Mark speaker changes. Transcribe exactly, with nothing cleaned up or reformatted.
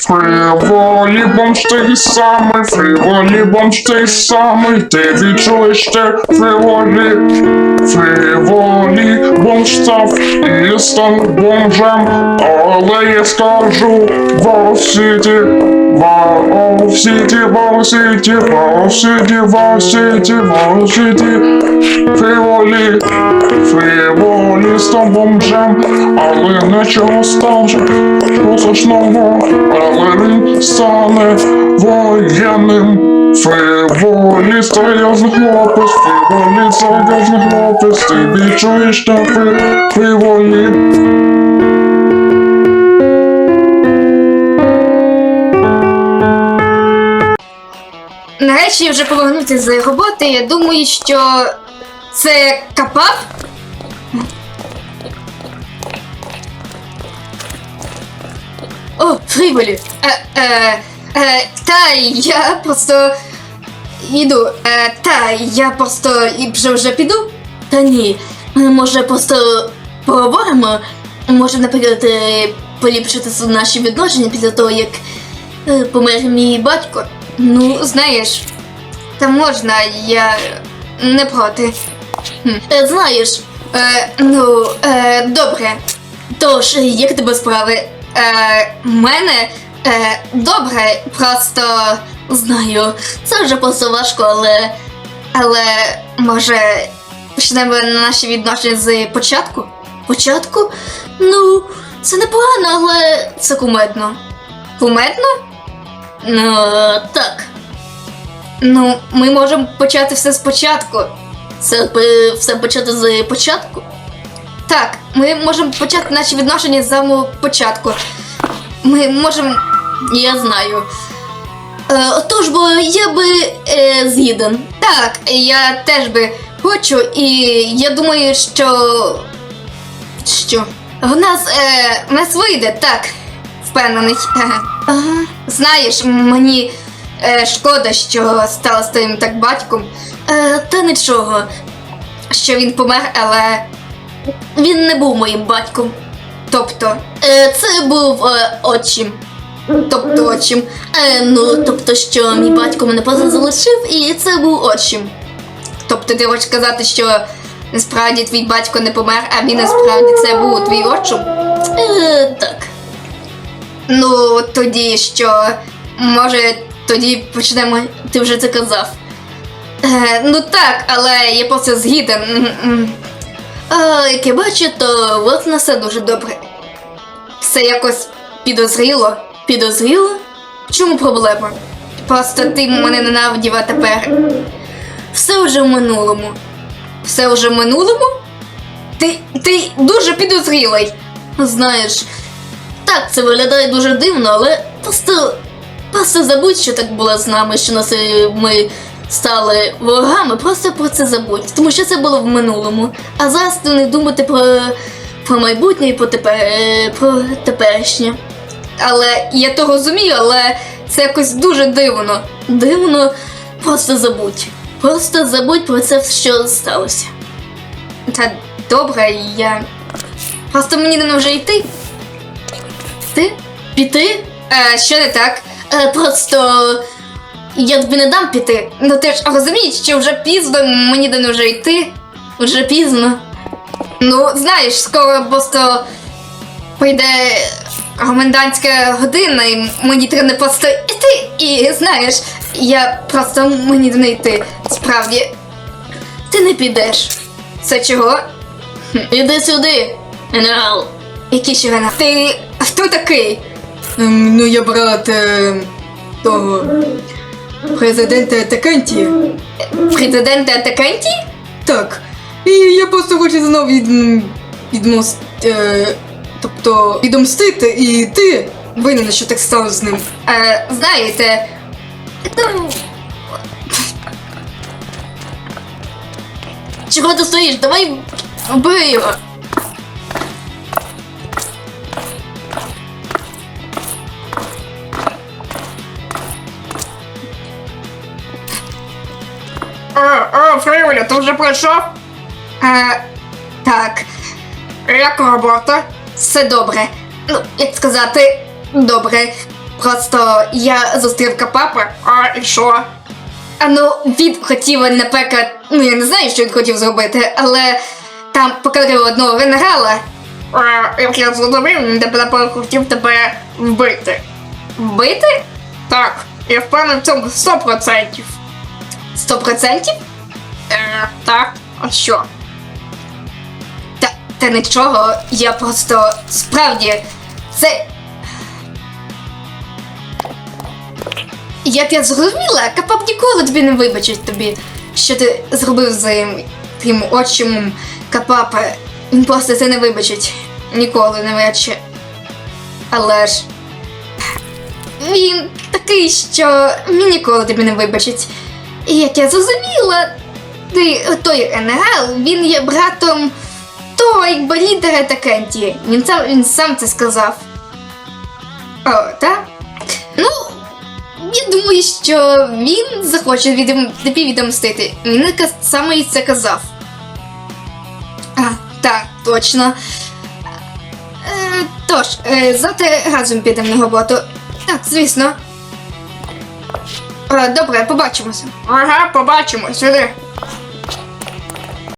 Speaker 1: Фриволі бомж той самий, фриволі бомж той самий, ти відчуєш те фриволі. Фриволі бомж став і став бомжем, але я скажу Вау-Сіті, Вау-Сіті, Вау-Сіті, Вау-Сіті, Вау-Сіті, Вау-Сіті. Фриволі, фриволі став бомжем, але нічого страшного, страшного, але він стане воєнним. Фриволі серйозний хлопець, фриволі серйозний хлопець, ти відчуєш на фриволі.
Speaker 2: Нарешті вже повернувся з роботи, я думаю, що це Капап? О, Фриволі! Е, е, е, та я просто йду. Е, та я просто і вже вже піду? Та ні, може просто поговоримо? Може, наприклад, е, поліпшити наші відношення після того, як е, помер мій батько? Ну, знаєш, та можна, я не проти. Хм. Е, знаєш, е, ну, е, добре. Тож, як тебе справи? Е, мене е, добре, просто знаю, це вже просто важко, але. Але може почнемо наші відношення з початку? Початку? Ну, це непогано, але це кумедно. Кумедно? Ну, так. Ну, ми можемо почати все спочатку. Це е, все почати з початку? Так, ми можемо почати наші відношення з самого початку. Ми можемо. Я знаю. Е, отож, бо я би е, згіден. Так, я теж би хочу, і я думаю, що. Що? В нас. Е, в нас вийде, так. Впевнений. Ага. Знаєш, мені е, шкода, що стало з твоїм так батьком. Е, та нічого, що він помер, але він не був моїм батьком. Тобто, е, це був е, отчим. Тобто отчим. Е, ну, тобто, що мій батько мене просто залишив, і це був отчим. Тобто ти хочеш сказати, що насправді твій батько не помер, а він насправді це був твій отчим? Е, так. Ну, тоді що, може, тоді почнемо, ти вже це казав. Е, ну так, але я просто згіден. А, як я бачу, то от на все дуже добре. Все якось підозріло. Підозріло? В чому проблема? Просто ти мене ненавидів, а тепер. Все вже в минулому. Все вже в минулому? Ти, ти дуже підозрілий. Знаєш, так, це виглядає дуже дивно, але просто, просто забудь, що так було з нами, що нас, ми стали ворогами, просто про це забудь, тому що це було в минулому. А зараз ти не думати про, про майбутнє і про, тепер, про теперішнє. Але я то розумію, але це якось дуже дивно. Дивно, просто забудь. Просто забудь про це, що сталося. Та добре, я... Просто мені не вже йти. Ти? Піти? Е, що не так? Е, просто я тобі не дам піти. Ну ти ж розумієш, що вже пізно, мені не вже йти. Вже пізно. Ну, знаєш, скоро просто прийде комендантська година, і мені треба просто йти. І знаєш, я просто мені не йти. Справді, ти не підеш. Це чого? Хм. Іди сюди, генерал. Який ще генерал? Ти хто такий?
Speaker 3: Ем, ну, я брат е, того президента Такенті.
Speaker 2: Президента Такенті?
Speaker 3: Так. І я просто хочу знову від, відмост, е, тобто відомстити, і ти винен, що так стало з ним.
Speaker 2: Е, знаєте, ну... Чого ти стоїш? Давай вбий його. О, о, Фриволі, ти вже пройшов? Е, так. Як робота? Все добре. Ну, як сказати, добре. Просто я зустрів Капапа, а і що? А ну, він хотів, наприклад, ну я не знаю, що він хотів зробити, але там покарив одного генерала. А, як я зрозумів, він тебе хотів тебе вбити. Вбити? Так, я впевнений в цьому сто процентів. Сто процентів? Е, так, а що? Та, та нічого, я просто справді це. Як я зрозуміла, Капап ніколи тобі не вибачить тобі, що ти зробив з тим отчимом Капапа. Він просто це не вибачить. Ніколи, навряд чи. Але ж він такий, що він ніколи тобі не вибачить. І як я зрозуміла, ти, той генерал, він є братом того, якби лідера Такенті. Він сам, він сам це сказав. О, так? Ну, я думаю, що він захоче відом... тобі відомстити. Він якраз саме і це казав. А, так, точно. Е, тож, е, завтра разом підемо на роботу. Так, звісно. Е, добре, побачимося. Ага, побачимось. Іди.